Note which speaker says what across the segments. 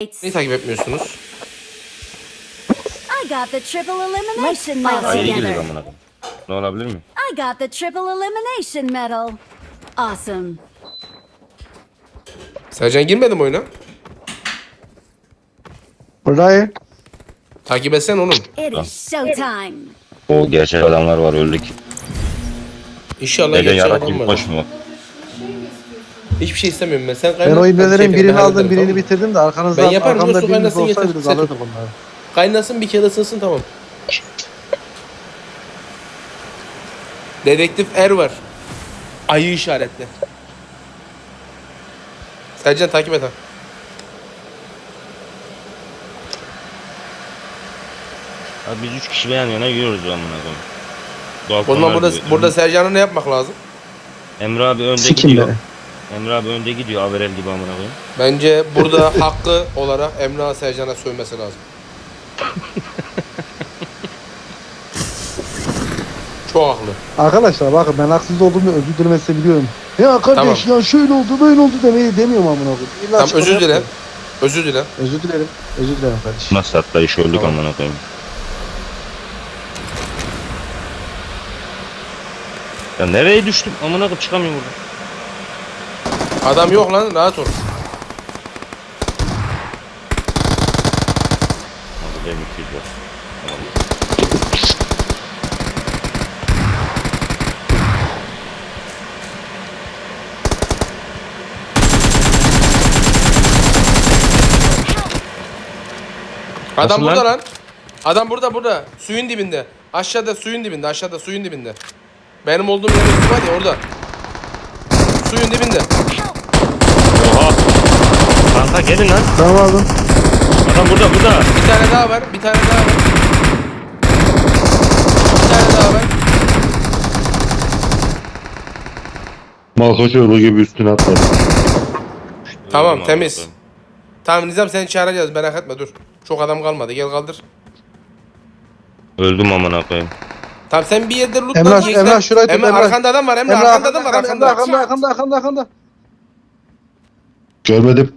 Speaker 1: Niye takip etmiyorsunuz?
Speaker 2: I got the triple elimination medal
Speaker 3: Ayrı girdik
Speaker 2: together.
Speaker 3: amına koyayım. Ne olabilir mi?
Speaker 2: I got the triple elimination medal. Awesome.
Speaker 1: Sercan girmedi mi oyuna?
Speaker 4: Burayı.
Speaker 1: Takip etsen oğlum.
Speaker 2: It is showtime.
Speaker 3: O gerçek adamlar var öldük.
Speaker 1: İnşallah
Speaker 3: Dede
Speaker 1: gerçek
Speaker 3: yarak
Speaker 1: adam
Speaker 3: gibi
Speaker 1: var.
Speaker 3: koşmuyor.
Speaker 1: Hiçbir şey istemiyorum ben. Sen
Speaker 4: Ben
Speaker 1: kaynat.
Speaker 4: o
Speaker 1: ben
Speaker 4: ibnelerin
Speaker 1: kendimi
Speaker 4: birini
Speaker 1: hallederim,
Speaker 4: aldım, birini
Speaker 1: tamam mı?
Speaker 4: bitirdim de arkanızda
Speaker 1: Ben yaparım,
Speaker 4: arkamda
Speaker 1: dostum,
Speaker 4: biriniz
Speaker 1: kaynasın,
Speaker 4: olsaydı
Speaker 1: yeter.
Speaker 4: alırdık onları.
Speaker 1: Kaynasın bir kere ısınsın tamam. Dedektif Er var. Ayı işaretli. Sercan takip et ha.
Speaker 3: Abi biz 3 kişi yan yana yürüyoruz amına koyayım.
Speaker 1: O zaman
Speaker 3: Balkonlar
Speaker 1: burada,
Speaker 3: gibi.
Speaker 1: burada Sercan'a ne yapmak lazım?
Speaker 3: Emre abi önde
Speaker 4: Sikim
Speaker 3: gidiyor.
Speaker 4: be.
Speaker 3: Emre abi önde gidiyor Averel gibi amına koyayım.
Speaker 1: Bence burada hakkı olarak Emrah Sercan'a sövmesi lazım. Çok haklı.
Speaker 4: Arkadaşlar bakın ben haksız olduğumu özür dilemesi biliyorum. Ya kardeş
Speaker 1: Tamam.
Speaker 4: ya şöyle oldu böyle oldu demeyi demiyorum amına koyayım. İlla
Speaker 1: Tamam
Speaker 4: açıklama
Speaker 1: özür dile.
Speaker 4: yapmayın.
Speaker 1: Özür dile.
Speaker 4: Özür dilerim. Özür dilerim kardeşim.
Speaker 3: Nasıl atlayış öldük
Speaker 1: Tamam.
Speaker 3: amına koyayım. Ya nereye düştüm amına koyayım çıkamıyorum buradan.
Speaker 1: Adam yok lan, rahat ol.
Speaker 3: Abi benim 200 var. Tamam.
Speaker 1: Adam
Speaker 3: Nasıl
Speaker 1: burada
Speaker 3: lan?
Speaker 1: lan. Adam burada. Suyun dibinde. Aşağıda suyun dibinde. Aşağıda suyun dibinde. Benim olduğum yer üstü var ya orada. Suyun dibinde.
Speaker 3: Oha. Kanka gelin lan.
Speaker 4: Tamam aldım.
Speaker 3: Adam burada.
Speaker 1: Bir tane daha var. Bir tane daha var. Bir tane daha var.
Speaker 5: Malkoç yolu gibi üstüne atladı.
Speaker 1: Tamam,
Speaker 3: Öldüm
Speaker 1: temiz.
Speaker 3: amına koyayım.
Speaker 1: Tamam Nizam seni çağıracağız merak etme dur. Çok adam kalmadı gel kaldır.
Speaker 3: Öldüm amına koyayım.
Speaker 1: Tamam sen bir yerde loot
Speaker 4: Emrah,
Speaker 1: lan.
Speaker 4: Emrah, şurayı tut,
Speaker 1: Emrah
Speaker 4: Emrah.
Speaker 1: arkanda adam var Emrah, arkanda adam var arkanda.
Speaker 4: Arkanda.
Speaker 5: Görmedim.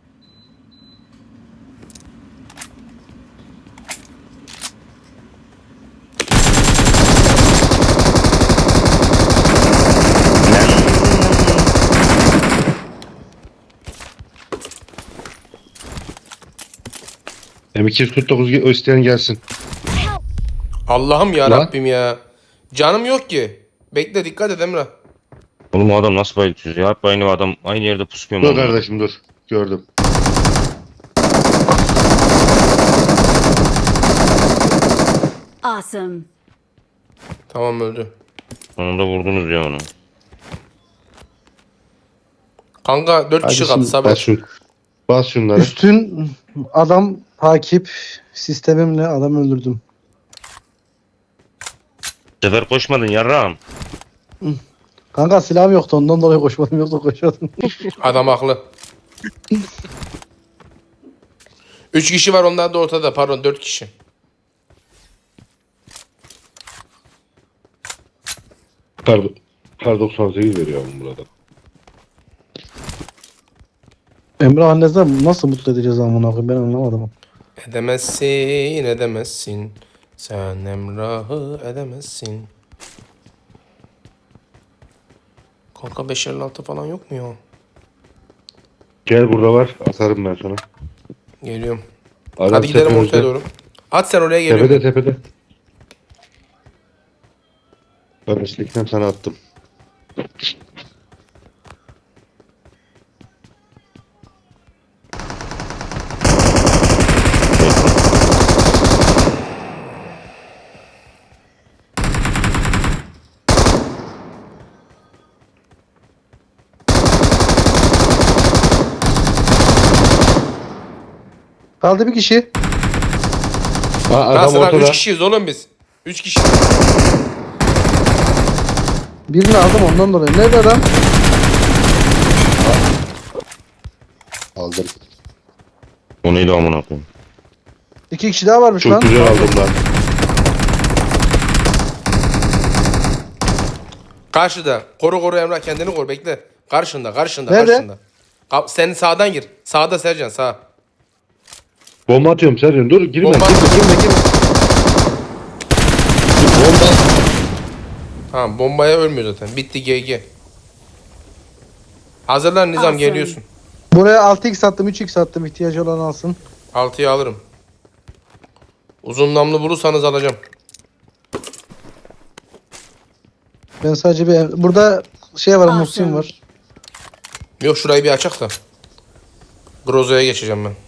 Speaker 5: M249 isteyen gelsin.
Speaker 1: Allah'ım ya
Speaker 5: Lan.
Speaker 1: Rabbim ya. Canım yok ki. Bekle dikkat et Emrah.
Speaker 3: Oğlum o adam nasıl bayıltıyor ya? Hep aynı adam aynı yerde pusuyor mu?
Speaker 5: Dur kardeşim dur. Gördüm.
Speaker 2: Awesome.
Speaker 1: Tamam öldü.
Speaker 3: Sonunda vurdunuz ya onu.
Speaker 1: Kanka 4 kişi
Speaker 4: Hadi
Speaker 1: kaldı
Speaker 4: şimdi
Speaker 5: Bas,
Speaker 1: Saber.
Speaker 5: bas şunları.
Speaker 4: Üstün adam takip sistemimle adam öldürdüm.
Speaker 3: Bu sefer koşmadın yarrağım.
Speaker 4: Kanka silahım yoktu ondan dolayı koşmadım yoksa koşuyordum.
Speaker 1: Adam haklı. 3 kişi var onlar da ortada pardon 4 kişi.
Speaker 5: Kar 98 veriyor oğlum burada.
Speaker 4: Emrah annesinden nasıl mutlu edeceğiz amına koyayım ben anlamadım.
Speaker 1: Edemezsin. Sen Emrah'ı edemezsin. Kanka 556 falan yok mu ya?
Speaker 5: Gel burada var. Atarım ben sana.
Speaker 1: Geliyorum.
Speaker 5: Adam
Speaker 1: Hadi gidelim
Speaker 5: tepemizde.
Speaker 1: ortaya doğru. At sen oraya geliyorum.
Speaker 5: Tepede. Ben eşlikten sana attım.
Speaker 4: Kaldı bir kişi.
Speaker 5: Adam
Speaker 1: Nasıl lan 3
Speaker 5: ortada.
Speaker 1: kişiyiz oğlum biz. 3 kişi.
Speaker 4: Birini aldım ondan dolayı. Nerede adam?
Speaker 5: Aldım.
Speaker 3: O neydi amına koyayım?
Speaker 4: 2 kişi daha varmış
Speaker 5: Çok
Speaker 4: lan.
Speaker 5: güzel aldım lan.
Speaker 1: Karşıda. Koru Emrah kendini koru bekle. Karşında.
Speaker 4: Nerede?
Speaker 1: Senin sağdan gir. Sağda Sercan sağ.
Speaker 5: Bomba atıyorum Sercan. Dur girme.
Speaker 1: Bomba
Speaker 5: Girme. Bomba.
Speaker 1: Ha, bombaya ölmüyor zaten. Bitti GG. Hazırlan Nizam,
Speaker 2: Awesome.
Speaker 1: geliyorsun.
Speaker 4: Buraya 6x attım 3x attım. İhtiyacı olan alsın.
Speaker 1: 6'yı alırım. Uzun namlu bulursanız alacağım.
Speaker 4: Ben sadece bir... Burada şey var,
Speaker 2: Awesome.
Speaker 4: Muhsin var.
Speaker 1: Yok, şurayı bir açak da. Groza'ya geçeceğim ben.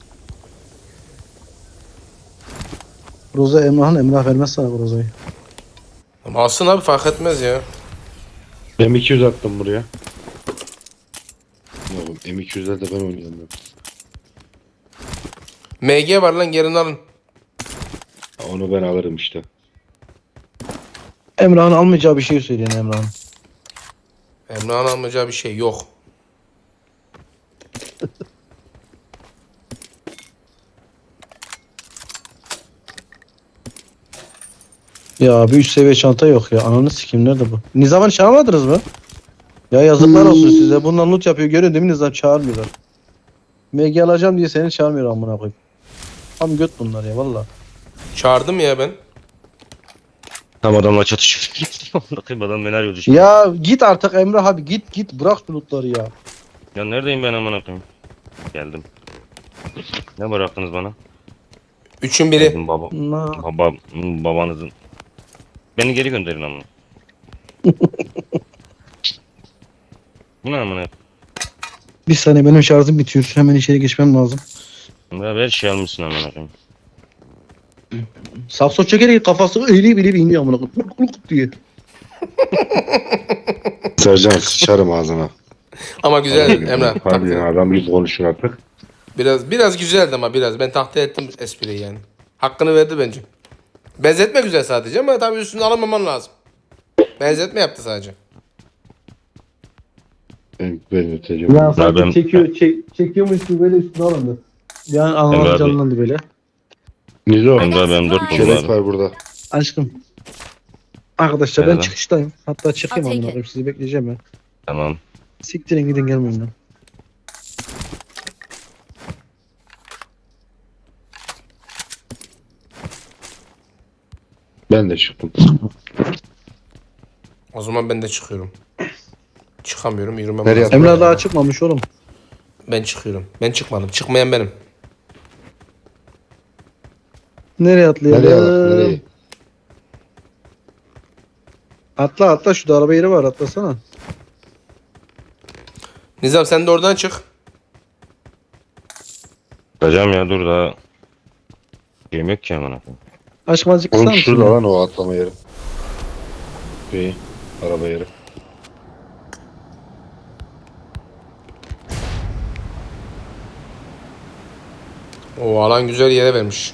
Speaker 4: Roza Emrah vermez sana bu Roza'yı.
Speaker 1: Ama alsın abi, fark etmez ya.
Speaker 5: M200 attım buraya. Oğlum M200'ler de ben oynayamıyorum.
Speaker 1: MG var lan, gelin alın.
Speaker 5: Onu ben alırım işte.
Speaker 4: Emrah'ın almayacağı bir şey söyleyin Emrah'ın.
Speaker 1: Emrah'ın almayacağı bir şey yok.
Speaker 4: Ya bir üst seviye çanta yok ya. Ananı sikeyim, nerede bu? Nizam'ın çağırmadınız mı? Ya yazıklar olsun size. Bundan loot yapıyor, görüyorsun değil mi? Nizam çağırmıyorlar. MG alacağım diye seni çağırmıyor amına koyayım. Tam göt bunlar ya valla.
Speaker 1: Çağırdım ya ben.
Speaker 3: Tam adamla çatışıyor. Bakayım adam beni arıyordu şimdi.
Speaker 4: Ya git artık Emrah abi, git bırak şu lootları ya.
Speaker 3: Ya neredeyim ben amına koyayım? Geldim. Ne bıraktınız bana?
Speaker 1: Üçün biri.
Speaker 3: Geldim
Speaker 4: Na.
Speaker 3: babanızın. Beni geri gönderin amına. Bu ne amına?
Speaker 4: Bir saniye, benim şarjım bitiyor. Hemen içeri geçmem lazım.
Speaker 3: Ya her şey almışsın amına koyayım.
Speaker 4: Sakso çekerek kafası eğilip iniyor amına koyayım. Kuluk kuluk diye.
Speaker 5: Sercan sıçarım ağzına.
Speaker 1: Ama güzel Emrah.
Speaker 5: Hadi ya, adam gibi konuşun artık.
Speaker 1: Biraz güzeldi ama biraz. Ben tahta ettim espriyi yani. Hakkını verdi bence. Benzetme güzel sadece ama tabii üstüne alamaman lazım. Benzetme yaptı sadece.
Speaker 5: Ben öteceğim.
Speaker 4: Ya sanki
Speaker 3: ben-
Speaker 4: çekiyormuş gibi böyle üstüne alındı. Yani
Speaker 3: Emre
Speaker 4: anlam
Speaker 3: abi.
Speaker 4: canlandı böyle.
Speaker 5: Nizo.
Speaker 3: Emre ben 4 buldum
Speaker 5: Çelet
Speaker 3: abi.
Speaker 5: var burada.
Speaker 4: Aşkım. Arkadaşlar ben
Speaker 3: Nerede?
Speaker 4: çıkıştayım. Hatta çıkayım
Speaker 2: I'll take
Speaker 4: amına
Speaker 2: it.
Speaker 4: koyayım, sizi bekleyeceğim ben.
Speaker 3: Tamam.
Speaker 4: Siktirin gidin, gelmeyin lan.
Speaker 5: Ben de çıktım.
Speaker 1: O zaman ben de çıkıyorum. Çıkamıyorum, yürümem
Speaker 5: Nereye
Speaker 1: lazım.
Speaker 4: Emrah daha çıkmamış oğlum.
Speaker 1: Ben çıkıyorum. Ben çıkmadım. Çıkmayan benim.
Speaker 4: Nereye atlayalım?
Speaker 5: Nereye bak nereye?
Speaker 4: Atla şu da araba yeri var, atlasana.
Speaker 1: Nizam sen de oradan çık.
Speaker 3: Kaçacağım ya dur daha. Şeyim yok ki amına koyayım.
Speaker 4: Aşkım azıcık kısa
Speaker 5: Oğlum
Speaker 4: mısın?
Speaker 5: şurada
Speaker 4: ya?
Speaker 5: lan o atlama yeri. Araba yeri.
Speaker 1: O alan güzel yere vermiş.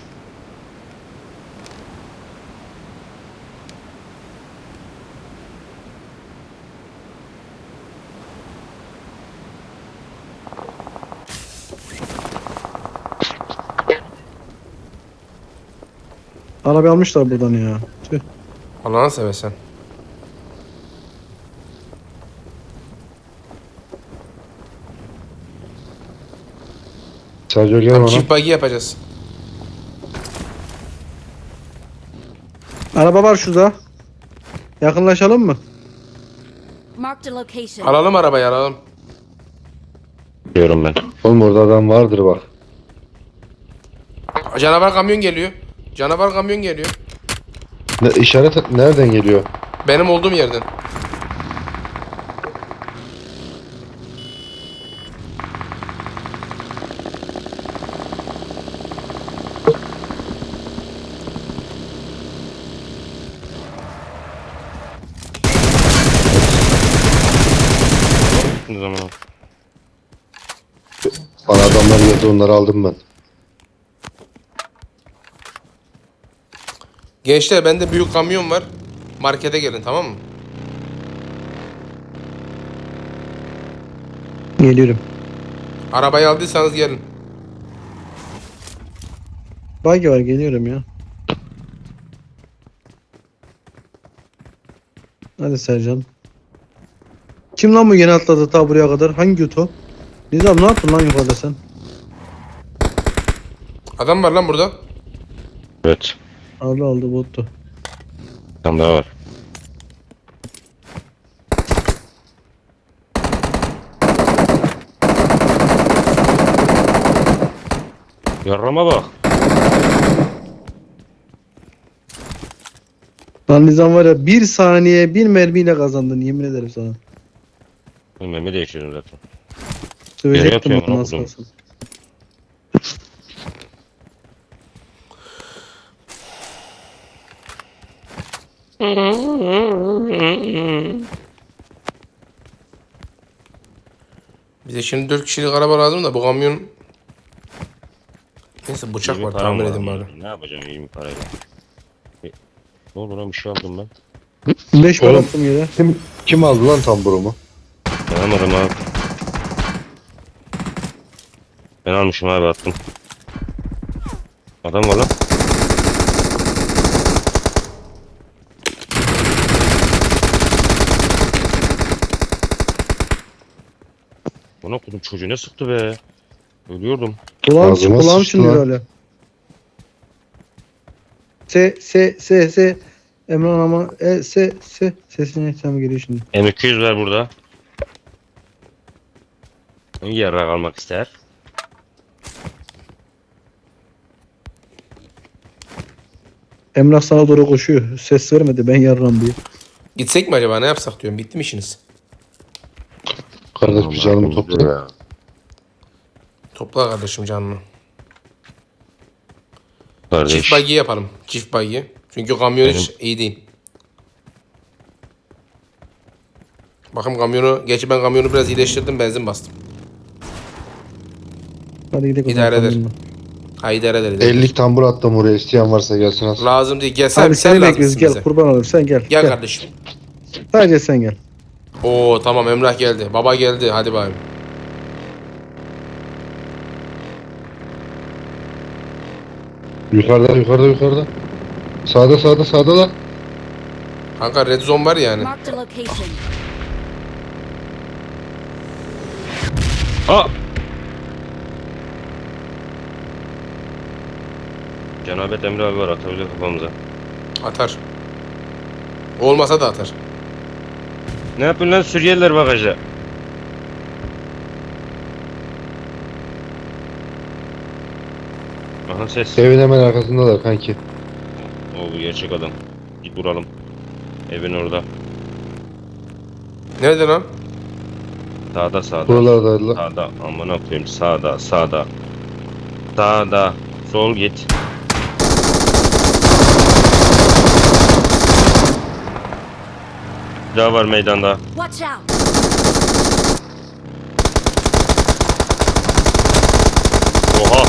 Speaker 4: Arabayı almışlar buradan ya. Tüh.
Speaker 1: Allah'ını seversen.
Speaker 5: Sergio gel
Speaker 1: Tam
Speaker 5: bana.
Speaker 1: çift buggy yapacağız.
Speaker 4: Araba var şurada. Yakınlaşalım mı?
Speaker 2: Marked a location.
Speaker 1: Alalım arabayı, alalım.
Speaker 3: Diyorum ben.
Speaker 5: Oğlum orada adam vardır bak.
Speaker 1: Canavar kamyon geliyor. Canavar kamyon geliyor.
Speaker 5: İşaret nereden geliyor?
Speaker 1: Benim olduğum yerden.
Speaker 3: Ne zaman?
Speaker 5: Bana adamlar geldi, onları aldım ben.
Speaker 1: Gençler, bende büyük kamyon var. Markete gelin, tamam mı?
Speaker 4: Geliyorum.
Speaker 1: Arabayı aldıysanız gelin.
Speaker 4: Buggy var, geliyorum ya. Hadi Sercan. Kim lan bu yeni atladı ta buraya kadar? Hangi göt o? Nizam ne yaptın lan yukarıda sen?
Speaker 1: Adam var lan burada.
Speaker 3: Evet.
Speaker 4: Aldı bottu.
Speaker 3: Bir tane daha var. Yarrama bak.
Speaker 4: Lan Nizam var ya 1 saniye 1 mermiyle kazandın yemin ederim sana.
Speaker 3: Memi değiştirdim zaten.
Speaker 4: Sövecektim
Speaker 3: atıyorum
Speaker 4: bunu
Speaker 3: lan
Speaker 4: nasıl
Speaker 3: kuzum.
Speaker 4: kalsın.
Speaker 1: Bize şimdi 4 kişilik araba lazım da bu kamyon... Neyse bıçak
Speaker 3: 20
Speaker 1: var
Speaker 3: param
Speaker 1: tamir
Speaker 3: var
Speaker 1: edin
Speaker 3: ama.
Speaker 1: bari.
Speaker 3: Ne yapacağım 20 parayla? Ne oldu lan bir şey aldım ben.
Speaker 4: 5 para
Speaker 5: Oğlum.
Speaker 4: attım yere.
Speaker 5: Kim aldı lan tamburumu?
Speaker 3: Ben almadım abi. Ben almışım abi attım. Adam var lan. Bana kudum çocuğu ne sıktı be. Ölüyordum.
Speaker 4: Kulağım
Speaker 5: Ağzıma
Speaker 4: kulağım
Speaker 5: sıçtı
Speaker 4: çınlıyor
Speaker 5: lan.
Speaker 4: öyle. Se. Emran ama se. Sesine ihtiyaç geliyor şimdi.
Speaker 3: M200 var burada. Yarrak almak ister.
Speaker 4: Emrah sana doğru koşuyor. Ses vermedi ben yarram diye.
Speaker 1: Gitsek mi acaba ne yapsak diyorum. Bitti mi işiniz?
Speaker 5: Kardeş bir canımı topla.
Speaker 1: Topla kardeşim canını.
Speaker 3: Kardeş.
Speaker 1: Çift buggy yapalım. Çift buggy. Çünkü kamyon hiç iyi değil. Bakın kamyonu, gerçi ben kamyonu biraz iyileştirdim, benzin bastım.
Speaker 4: Hadi gidelim.
Speaker 1: İdare eder.
Speaker 4: Tamam.
Speaker 1: Ha idare eder.
Speaker 5: 50 tambur attım oraya, isteyen varsa gelsin alsın.
Speaker 1: Lazım değil. Gel sen,
Speaker 4: Abi
Speaker 1: sen
Speaker 4: seni
Speaker 1: lazımsın
Speaker 4: bekliyoruz gel
Speaker 1: bize.
Speaker 4: kurban olayım sen gel.
Speaker 1: Gel kardeşim.
Speaker 4: Sadece sen gel.
Speaker 1: Oo tamam Emrah geldi. Baba geldi. Hadi bayım.
Speaker 5: Yukarıda. Sağda lan.
Speaker 1: Kanka red zone var yani.
Speaker 2: Marked a location.
Speaker 3: Aa! Cenabet Emre abi var atabilir kafamıza.
Speaker 1: Atar. Olmasa da atar.
Speaker 3: Ne yapın lan Suriyeliler bagaja? Aha ses.
Speaker 5: Evin hemen arkasındalar kanki.
Speaker 3: O bu gerçek adam. Git vuralım. Evin orada.
Speaker 1: Nerede lan?
Speaker 3: Sağda.
Speaker 5: Buralardaydılar.
Speaker 3: Sağda. Amına koyayım sağda. Sağda. Sol git. Bir daha var meydanda.
Speaker 2: Watch out.
Speaker 3: Oha.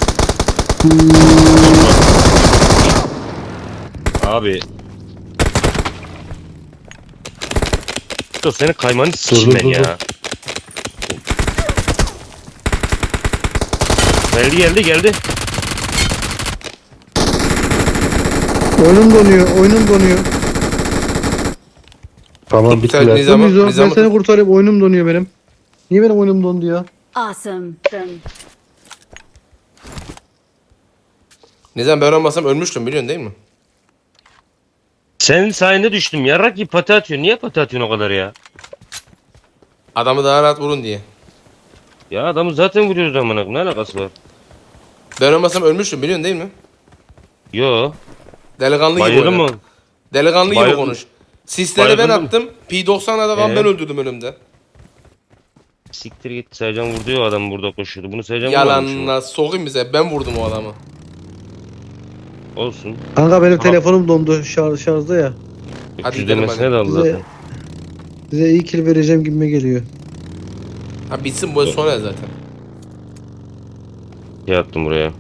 Speaker 3: Abi. Dur senin kaymanı sikeyim ben
Speaker 5: dur.
Speaker 3: ya. Geldi.
Speaker 4: Oyunum donuyor.
Speaker 5: Tamam
Speaker 1: Bir tane
Speaker 5: bittiler.
Speaker 1: Nizam-
Speaker 4: Ben
Speaker 1: Nizam'ı
Speaker 4: seni
Speaker 1: tut.
Speaker 4: kurtarayım oyunum donuyor benim. Niye benim oyunum dondu ya?
Speaker 2: Awesome.
Speaker 1: Nizam ben olmasam ölmüştüm biliyorsun değil mi?
Speaker 3: Senin sayende düştüm. Yarrak gibi pati atıyor. Niye pati atıyorsun o kadar ya?
Speaker 1: Adamı daha rahat vurun diye.
Speaker 3: Ya adamı zaten vuruyoruz amına koyayım. Ne alakası var?
Speaker 1: Ben olmasam ölmüştüm biliyorsun değil mi?
Speaker 3: Yo.
Speaker 1: Delikanlı gibi
Speaker 3: Bayıldı
Speaker 1: oyna.
Speaker 3: mı?
Speaker 1: Delikanlı gibi
Speaker 3: Bayıldım.
Speaker 1: konuş. Sisleri ben
Speaker 3: Bayıldım.
Speaker 1: attım. P90'a da ben öldürdüm önümde.
Speaker 3: Siktir git. Sercan vurdu ya adam burada koşuyordu. Bunu Sercan vurmamış mı?
Speaker 1: Yalanla sokayım bize. Ben vurdum o adamı.
Speaker 3: Olsun.
Speaker 4: Kanka benim
Speaker 3: Tamam.
Speaker 4: telefonum dondu şarjda ya.
Speaker 1: Hadi
Speaker 3: Hadi
Speaker 1: gidelim
Speaker 3: demesine
Speaker 1: hadi.
Speaker 3: de aldı
Speaker 4: Size,
Speaker 3: zaten.
Speaker 4: size iyi kill vereceğim gibime geliyor.
Speaker 1: Ha bitsin bu sonra zaten.
Speaker 3: Şey attım buraya.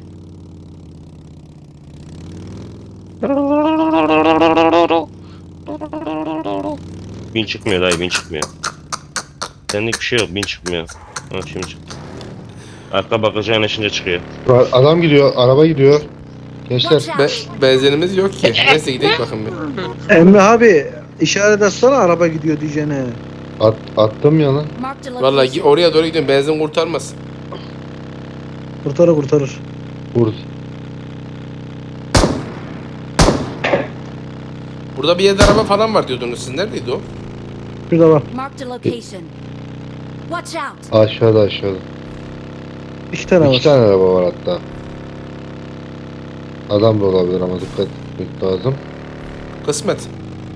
Speaker 3: Bin çıkmıyor dayı bin çıkmıyor. Senlik bir şey yok bin çıkmıyor. Ha şimdi çıktı. Arka bakacağın eşince çıkıyor.
Speaker 5: Adam gidiyor, araba gidiyor. Gençler
Speaker 2: Watch
Speaker 1: Be
Speaker 2: out.
Speaker 1: benzinimiz yok ki. Neyse gidelim bakın bir.
Speaker 4: Emre abi işaret etsene araba gidiyor diyeceğine.
Speaker 5: attım ya lan.
Speaker 2: Marked a
Speaker 1: Vallahi
Speaker 2: location.
Speaker 1: oraya doğru gidiyorum. Benzin kurtarmaz.
Speaker 4: Kurtarır.
Speaker 5: Vur.
Speaker 1: Burada bir yerde araba falan var diyordunuz. Siz neredeydi o?
Speaker 4: Şurada var.
Speaker 2: Marked a location. Watch out!
Speaker 5: Aşağıda aşağıda.
Speaker 4: 2 tane var.
Speaker 5: 2 tane araba var hatta. Adam da olabilir ama dikkat etmek lazım.
Speaker 1: Kısmet.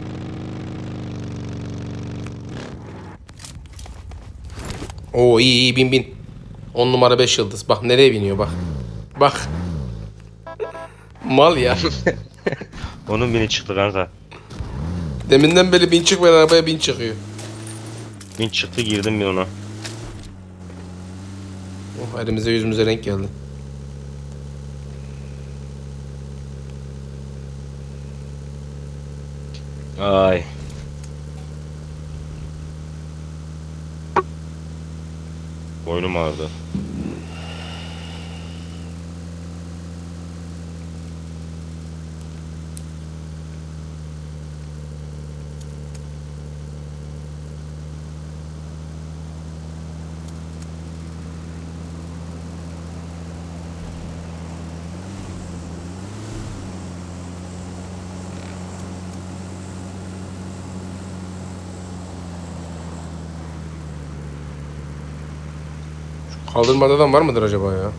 Speaker 1: Oo iyi iyi bin bin. 10 numara 5 yıldız. Bak nereye biniyor bak. Bak. Mal ya.
Speaker 3: Onun bini çıktı kanka.
Speaker 1: Deminden beri bin çıkmayan arabaya bin çıkıyor.
Speaker 3: Bin çıktı girdim bir ona.
Speaker 1: Oh, elimize yüzümüze renk geldi.
Speaker 3: Ay. Boynum ağrıdı.
Speaker 1: Kaldırmada adam var mıdır acaba ya?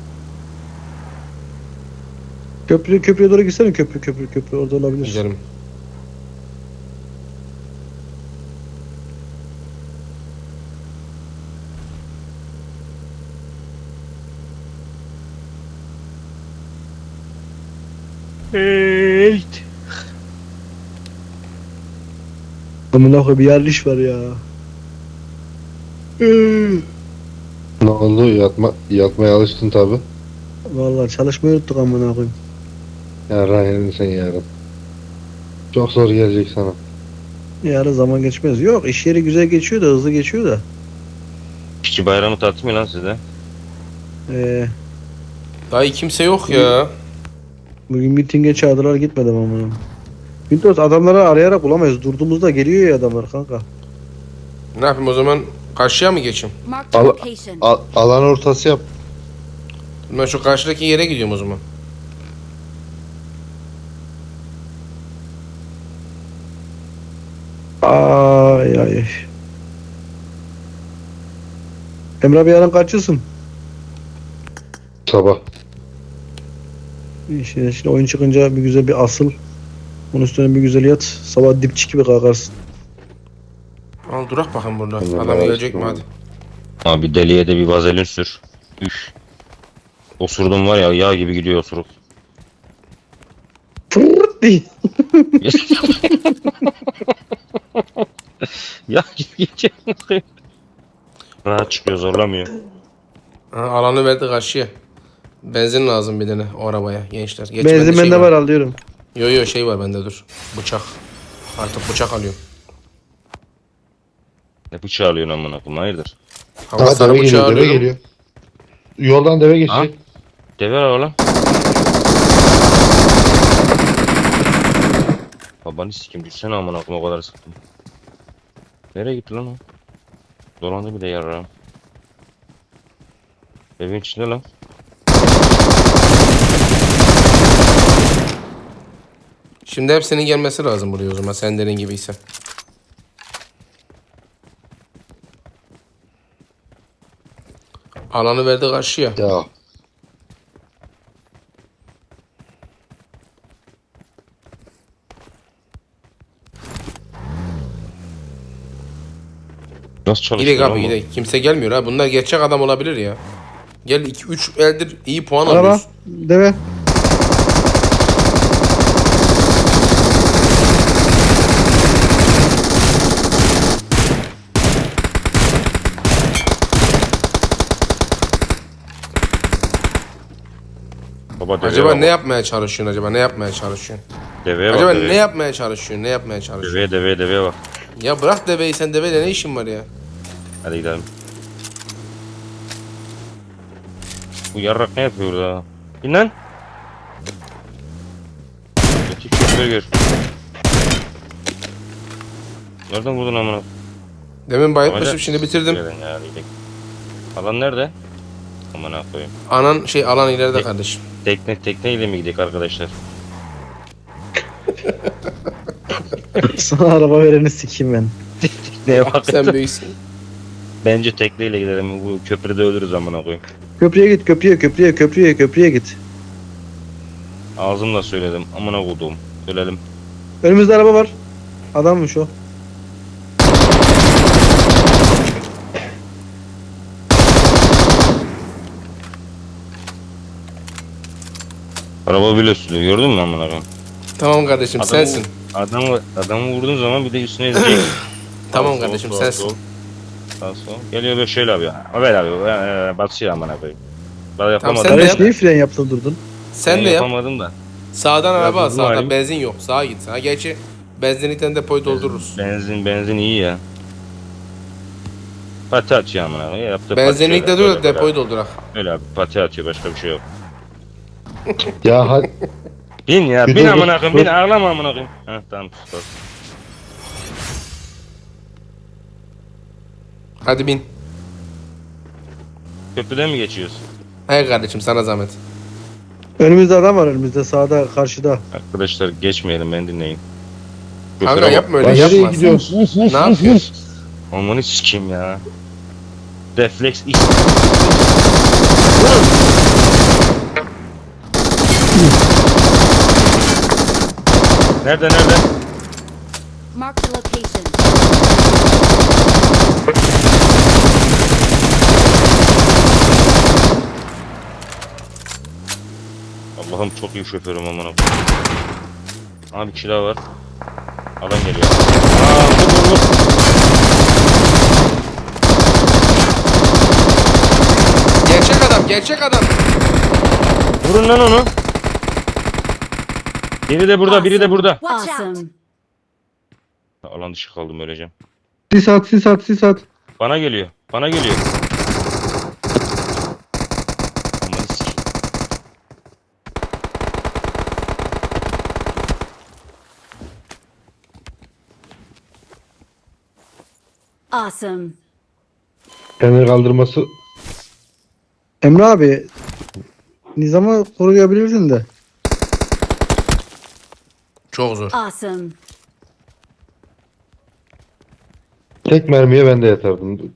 Speaker 4: Köprüye doğru gitsene, köprü orada olabilir.
Speaker 1: Gidelim.
Speaker 3: Evet.
Speaker 4: Amına koyayım bir yerliş var ya.
Speaker 5: Ne oldu? Yatmaya alıştın tabi.
Speaker 4: Vallahi çalışmayı unuttuk amına koyayım.
Speaker 5: Yarın yedin sen yarın. Çok zor gelecek sana.
Speaker 4: Yarın zaman geçmez. Yok, iş yeri güzel geçiyor da, hızlı geçiyor da.
Speaker 3: İşçi bayramı tatil mi lan sizde?
Speaker 1: Dayı kimse yok ya.
Speaker 4: Bugün mitinge çağırdılar, gitmedim amına. Windows adamları arayarak bulamayız. Durduğumuzda geliyor ya adamlar kanka.
Speaker 1: Ne yapayım o zaman? Karşıya mı geçeyim?
Speaker 2: Marked a
Speaker 5: Al-
Speaker 2: location.
Speaker 5: Alan ortası yap.
Speaker 1: Ben şu karşıdaki yere gidiyorum o zaman.
Speaker 4: Ay ay. Emre abi yarın kaçıyorsun?
Speaker 5: Sabah.
Speaker 4: Şimdi oyun çıkınca bir güzel bir asıl. Onun üstüne bir güzel yat. Sabah dipçik gibi kalkarsın.
Speaker 1: Al durak bakın burada.
Speaker 5: Allah
Speaker 1: Adam
Speaker 5: Allah
Speaker 1: gelecek mi
Speaker 5: aşkına.
Speaker 3: Abi
Speaker 1: hadi.
Speaker 3: deliye de bir vazelin sür. Üf. Osurdum var ya yağ gibi gidiyor osuruk.
Speaker 4: Fırrt diye.
Speaker 3: Yağ gibi gidiyor. Rahat çıkıyor zorlamıyor.
Speaker 1: Ha, alanı verdi karşıya. Benzin lazım bir tane o arabaya gençler. Geç
Speaker 4: Benzin
Speaker 1: bende şey
Speaker 4: bende var, alıyorum.
Speaker 1: Yo şey var bende dur. Bıçak. Artık bıçak alıyorum.
Speaker 3: Ne bıçağı alıyorsun amına koyayım hayırdır?
Speaker 1: Hava
Speaker 5: Deve
Speaker 1: sarı bıçağı
Speaker 5: geliyor, deve
Speaker 1: alıyorum.
Speaker 5: geliyor. Yoldan deve
Speaker 3: Ha?
Speaker 5: geçecek.
Speaker 3: Deve var oğlum. Babanı sikim düşsene amına koyayım o kadar sıktım. Nereye gitti lan o? Dolandı bir de yarrağım. Evin içinde lan.
Speaker 1: Şimdi hepsinin gelmesi lazım buraya o zaman sen dediğin gibiyse. Alanı verdi karşıya.
Speaker 5: Ya.
Speaker 3: Nasıl çalışıyor
Speaker 1: Gidelim
Speaker 3: lan
Speaker 1: abi
Speaker 3: bu?
Speaker 1: gidelim. Kimse gelmiyor ha. Bunlar gerçek adam olabilir ya. Gel 2-3 eldir iyi puan
Speaker 4: Araba.
Speaker 1: alıyoruz.
Speaker 4: Deve.
Speaker 3: Baba deve
Speaker 1: Acaba
Speaker 3: var
Speaker 1: ne
Speaker 3: bak.
Speaker 1: yapmaya çalışıyorsun acaba? Ne yapmaya çalışıyorsun?
Speaker 3: Deveye bak
Speaker 1: Acaba
Speaker 3: deveye.
Speaker 1: ne yapmaya çalışıyorsun? Ne yapmaya çalışıyorsun?
Speaker 3: Deveye bak.
Speaker 1: Ya bırak deveyi sen deveyle ne işin var ya?
Speaker 3: Hadi gidelim. Bu yarrak ne yapıyor burada? Bin lan. Öteki köpüğü gör. Nereden vurdun amına?
Speaker 1: Demin bayıtmışım
Speaker 3: Amacak.
Speaker 1: şimdi bitirdim.
Speaker 3: Gelen ya, iyilik. Alan nerede? Aman ha koyayım.
Speaker 1: Anan şey alan ileride kardeşim.
Speaker 3: Tekneyle mi gidelim arkadaşlar?
Speaker 4: Sana araba vereni sikeyim ben.
Speaker 3: Neye bak
Speaker 1: Sen büyüksün.
Speaker 3: Bence tekneyle gidelim. Bu köprüde ölürüz amına koyayım.
Speaker 4: Köprüye git köprüye git.
Speaker 3: Ağzımla söyledim. Amına koduğum. Söyledim.
Speaker 4: Önümüzde araba var. Adammış o.
Speaker 3: Araba bile sürüyor. Gördün mü amına koyayım?
Speaker 1: Tamam kardeşim sensin.
Speaker 3: Adamı vurduğun zaman bir de üstüne ezecek.
Speaker 1: Tamam
Speaker 3: Sağ,
Speaker 1: kardeşim
Speaker 3: sol,
Speaker 1: sensin.
Speaker 3: sol. Sağ sol. Geliyor böyle şöyle abi ya. Haber abi. Basıyor amına koyayım. Ben yapamadım.
Speaker 1: sen de
Speaker 4: Kardeş
Speaker 1: yap.
Speaker 4: niye fren yaptın durdun?
Speaker 1: Sen
Speaker 3: Ben
Speaker 1: de yap.
Speaker 3: yapamadım da.
Speaker 1: Sağdan araba al.
Speaker 3: bu
Speaker 1: Sağdan
Speaker 3: halim-
Speaker 1: benzin yok. Sağa git. Ha gerçi benzinlikten depoyu doldururuz.
Speaker 3: Benzin iyi ya. Pati atıyor amına koyayım. Yaptı
Speaker 1: Benzinlikte
Speaker 3: pati
Speaker 1: dur
Speaker 3: şöyle,
Speaker 1: da
Speaker 3: böyle.
Speaker 1: depoyu doldurak.
Speaker 3: Öyle abi pati atıyor başka bir şey yok.
Speaker 5: Ya hadi.
Speaker 3: Bin ya
Speaker 5: Bir
Speaker 3: bin
Speaker 5: dur,
Speaker 3: amına koyayım
Speaker 5: dur.
Speaker 3: bin ağlama amına koyayım. Heh tamam sus.
Speaker 1: Hadi bin.
Speaker 3: Köprüden mi geçiyoruz?
Speaker 1: Hayır kardeşim sana zahmet.
Speaker 4: Önümüzde adam var önümüzde sağda karşıda.
Speaker 3: Arkadaşlar geçmeyelim ben dinleyin.
Speaker 1: Kanka
Speaker 3: Köprüye bak.
Speaker 1: yapma
Speaker 5: Lan
Speaker 1: öyle
Speaker 5: nereye
Speaker 1: yapma.
Speaker 5: gidiyorsun?
Speaker 1: Ne yapıyorsun?
Speaker 3: Amanı sikeyim ya. Refleks iş. Nerede?
Speaker 2: Mark the location.
Speaker 3: Allah'ım çok iyi şoförüm amına koyayım. Abi kira var. Adam geliyor. Vur.
Speaker 1: Gerçek adam.
Speaker 3: Vurun lan onu. Biri de burada, biri de burada.
Speaker 2: Watch out. Awesome.
Speaker 3: Alan dışı kaldım öleceğim.
Speaker 4: Sis at.
Speaker 3: Bana geliyor. Amanı sikeyim.
Speaker 2: Awesome.
Speaker 5: Kendini kaldırması.
Speaker 4: Emre abi. Nizam'ı koruyabilirdin de.
Speaker 1: Çok zor.
Speaker 2: Awesome.
Speaker 5: Tek mermiye ben de yatardım.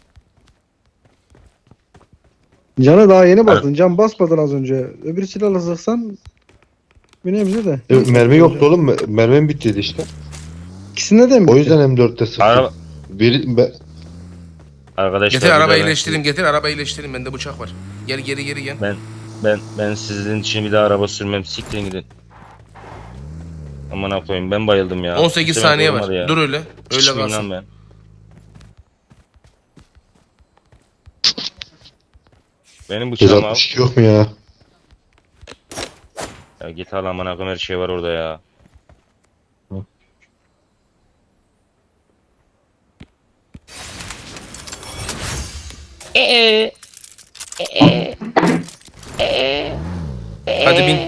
Speaker 4: Can'a daha yeni bastın. Can basmadın az önce. Öbür silahla sıksan bir nebze de.
Speaker 5: Mermi yoktu oğlum. Mermim bittiydi işte.
Speaker 4: İkisinde de mi?
Speaker 5: O yüzden M4'te sıktım.
Speaker 3: Araba...
Speaker 5: Bir,
Speaker 3: Arkadaşlar
Speaker 1: Getir
Speaker 3: bir
Speaker 1: arabayı
Speaker 3: daha
Speaker 1: iyileştirin. Arabayı iyileştirin. Bende bıçak var. Geri gel.
Speaker 3: Ben sizin için bir daha araba sürmem. Siktirin gidin. Aman koyayım ben bayıldım ya.
Speaker 1: 18
Speaker 3: Sürem
Speaker 1: saniye
Speaker 3: olmadı
Speaker 1: var.
Speaker 3: ya.
Speaker 1: Dur öyle. Öyle
Speaker 3: Sıçmayayım
Speaker 1: kalsın.
Speaker 3: lan ben. Benim bıçağımı al.
Speaker 5: 162 yok mu ya?
Speaker 3: Ya git al aman akım her şey var orada ya.
Speaker 1: Hadi bin.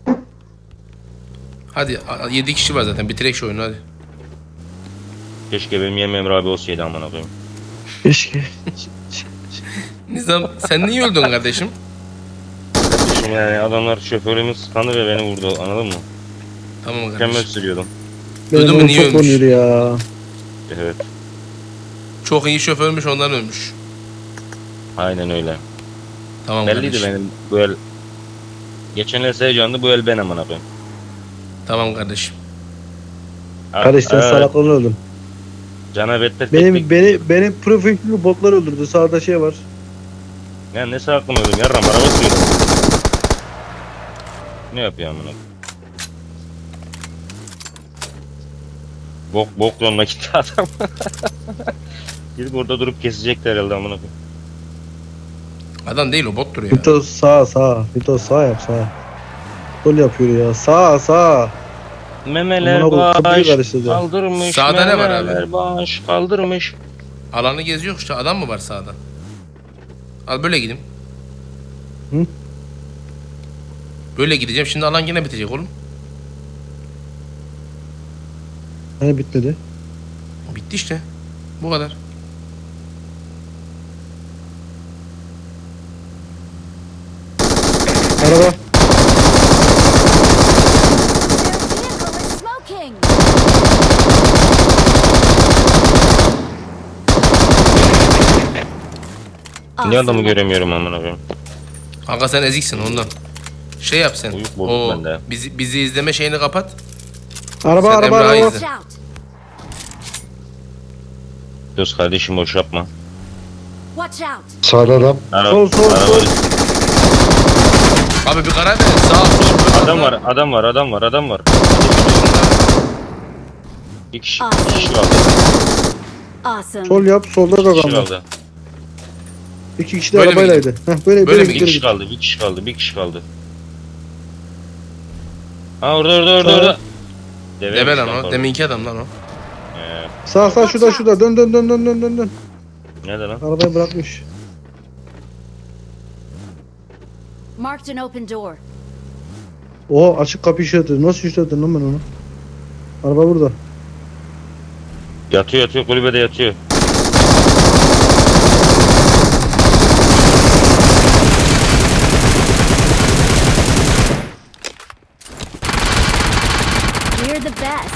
Speaker 1: Hadi 7 kişi var zaten. Bitirek şu oyunu hadi.
Speaker 3: Keşke benim yemeğim Emre abi olsaydı aman akım.
Speaker 4: Keşke.
Speaker 1: Nizam sen niye öldün kardeşim?
Speaker 3: Şimdi yani adamlar şoförümü sıkandı ve beni vurdu anladın mı?
Speaker 1: Tamam
Speaker 3: Mükemmel
Speaker 1: kardeşim.
Speaker 3: sürüyordum.
Speaker 1: Duydun mu,
Speaker 4: Benim
Speaker 1: niye
Speaker 4: çok
Speaker 1: ölmüş?
Speaker 4: oluyor ya.
Speaker 3: Evet.
Speaker 1: Çok iyi şoförmüş ondan ölmüş.
Speaker 3: Aynen öyle.
Speaker 1: Tamam
Speaker 3: Belliydi
Speaker 1: kardeşim.
Speaker 3: benim bu el. Geçen el Seycan'dı bu el ben aman akım.
Speaker 1: Tamam kardeşim.
Speaker 4: Kardeş sen salaklığını öldün.
Speaker 3: Canavette
Speaker 4: Benim profilimi botlar öldürdü. Sağda şey var.
Speaker 3: Ya ne sağlıklı öldüm yarram araba sürüyorum. Ne yapıyor amına? Bok yoluna gitti adam. Gidip orada durup kesecekler herhalde amına.
Speaker 1: Adam değil o bottur ya.
Speaker 4: Vito sağ. Vito sağ yap sağ. Sol yapıyor ya. Sağ.
Speaker 3: Memeler
Speaker 4: Amına koyayım, kapıyı
Speaker 3: baş
Speaker 4: karıştırdı.
Speaker 3: kaldırmış.
Speaker 1: Sağda ne var abi?
Speaker 3: Memeler baş kaldırmış.
Speaker 1: Alanı geziyor işte. Adam mı var sağda? Al böyle gideyim.
Speaker 4: Hı?
Speaker 1: Böyle gideceğim. Şimdi alan yine bitecek oğlum.
Speaker 4: Hani bitmedi.
Speaker 1: Bitti işte. Bu kadar.
Speaker 4: Araba.
Speaker 2: Their vehicle is smoking.
Speaker 3: Niye adamı
Speaker 2: Awesome.
Speaker 3: göremiyorum amına koyayım?
Speaker 1: Kanka sen eziksin ondan. Şey yap sen.
Speaker 3: Uyuk bozuk
Speaker 1: O
Speaker 3: bende.
Speaker 1: bizi izleme şeyini kapat.
Speaker 4: Araba
Speaker 1: Sen
Speaker 4: araba
Speaker 1: Emrah'ı
Speaker 4: araba.
Speaker 1: izle.
Speaker 2: Watch out.
Speaker 3: Göz kardeşim boş yapma.
Speaker 2: Watch out.
Speaker 5: Sağda adam.
Speaker 4: Sol, sol,
Speaker 3: araba-
Speaker 4: sol.
Speaker 1: Abi bir karar verin. Sağ sol.
Speaker 3: Adam var. Bir kişi kaldı.
Speaker 2: Awesome.
Speaker 4: Sol yap. Solda da
Speaker 3: Bir kişi
Speaker 4: adam var.
Speaker 3: kaldı.
Speaker 4: 2 kişi de
Speaker 1: Böyle mi
Speaker 4: arabaylaydı. Heh, böyle
Speaker 1: Böyle mi
Speaker 4: git,
Speaker 3: Bir
Speaker 4: böyle
Speaker 3: kişi
Speaker 4: git.
Speaker 3: kaldı. Bir kişi kaldı. Ha orada.
Speaker 1: Debe lan o.
Speaker 3: pardon.
Speaker 1: Deminki adam lan o.
Speaker 4: Sağ şurada. Dön.
Speaker 3: Nerede lan?
Speaker 4: Arabayı bırakmış.
Speaker 2: Marked an open door.
Speaker 4: O açık kapı işareti. Nasıl işaretledin lan ben onu? Araba burada.
Speaker 3: Yatıyor kulübede yatıyor.
Speaker 2: We're the best.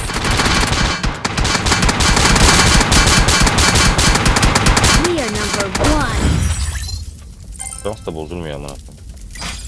Speaker 2: We are number one.
Speaker 3: Dans da bozulmuyor amına koyayım.